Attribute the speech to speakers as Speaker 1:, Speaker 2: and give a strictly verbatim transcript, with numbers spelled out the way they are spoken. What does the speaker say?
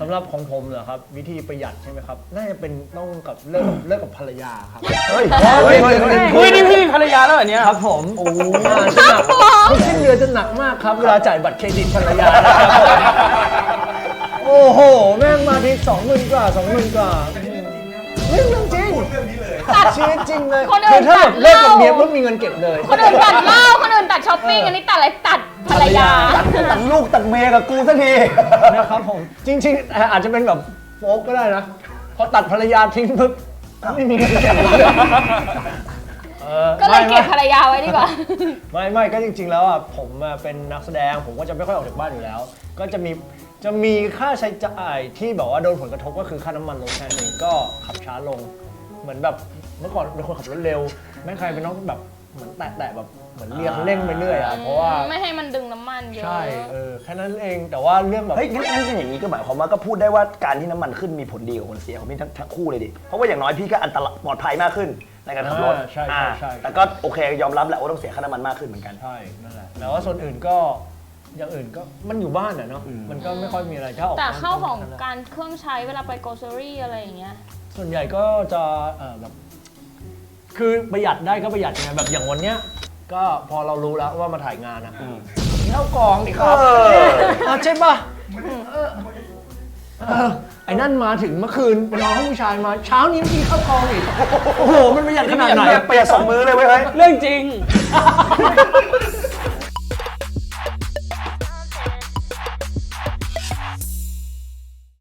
Speaker 1: ำหรับของผมเหรอครับวิธีประหยัดใช่ไหมครับน่าจะเป็นต้องกับเลิกเลิกกับภรรยาครับเฮ้ยเฮ้ยเฮ้ย
Speaker 2: เฮ้ยนี่พี่มีภรรยาแล้วเหรอเนี่ย
Speaker 1: ครับผมโอ้จะหนักทุกสิ้นเดือนจะหนักมากครับเวลาจ่ายบัตรเครดิตภรรยานะครับโอ้โหแม่งมาทีสองหมื่นกว่าสองหมื่นกว่าเรื่องจริงชีวิตจริงเลยคือถ้าแบบเลิกกับเมียปุ๊บมีเงินเก็บเลย
Speaker 3: คนอื่นตัดเหล้าคนอื่นตัดช้อปปิ้งอันนี้ตัดอะไรตัดภรรยา
Speaker 4: ตัดลูกตัดเมียกับกูสักที
Speaker 1: นะครับผมจริงๆอาจจะเป็นแบบโฟกก็ได้นะพอตัดภรรยาทิ้งปุ๊บไม่มีเงินเก็บเลย
Speaker 3: ก็เลยเก็บภรรยาไว้ดีกว่า
Speaker 1: ไม่ไม่ก็จริงๆแล้วอ่ะผมเป็นนักแสดงผมก็จะไม่ค่อยออกจากบ้านอยู่แล้ว ก็จะมีจะมีค่าใช้จ่ายที่แบบว่าโดนผลกระทบก็คือค่าน้ำมันลดแค่นี้ก็ขับช้าลงเหมือนแบบเมื่อก่อนเป็นคนขับรถเร็วไม่ใครเป็นน้องแบบเหมือนแตะๆแบบเหมือนเรียงเร่งไปเรื่อยอ่ะเพราะว่า
Speaker 3: ไม่ให้มันดึงน้ำมันเยอะ
Speaker 1: ใช่เออแค่นั้นเองแต่ว่าเรื่องแบบ
Speaker 4: เฮ้ยงั้นงั้นอย่างนี้ก็หมายความว่าก็พูดได้ว่าการที่น้ำมันขึ้นมีผลดีกับคนเสียของพี่ทั้งทั้งคู่เลยดิเพราะว่าอย่างน้อยพี่ก็อันตรายปลอดภัยมากขึ้นในการขับรถ
Speaker 1: อ่าใช่ใช่ใช่
Speaker 4: แต่ก็โอเคยอมรับแหละว่าต้องเสียค่าน้ำมันมากขึ้นเหมือนกัน
Speaker 1: ใช่นั่นแหละแต่ว่าส่วนอื่นก็อย่างอื่นก็มันอยู่บ้านอะเนาะมันก็ไม่ค่อยมีอะไรถ้าออก
Speaker 3: แต่เข้าของ
Speaker 1: นั่นแหละ
Speaker 3: การเครื่องใช้เวลาไปโกลเซอรี่อะไรอย่างเงี้ย
Speaker 1: ส่วนใหญ่ก็จะเอ่อแบบคือประหยัดได้ก็ประหยัดไงแบบอย่างวันเนี้ยก็พอเรารู้แล้วว่ามาถ่ายงานอะกินข้าวกล่องดิครับ
Speaker 4: เออ
Speaker 1: เออใช่ป่ะเออเออไอ้นั่นมาถึงเมื่อคืนไปนอนห้องผู้ชายมาเช้านี้กินข้าวกล่องอีกโอ้โหมันประหยัดขนาดไหน
Speaker 4: เปรียบสองมือเลยเว้ยเฮ้ย
Speaker 2: เรื่องจริง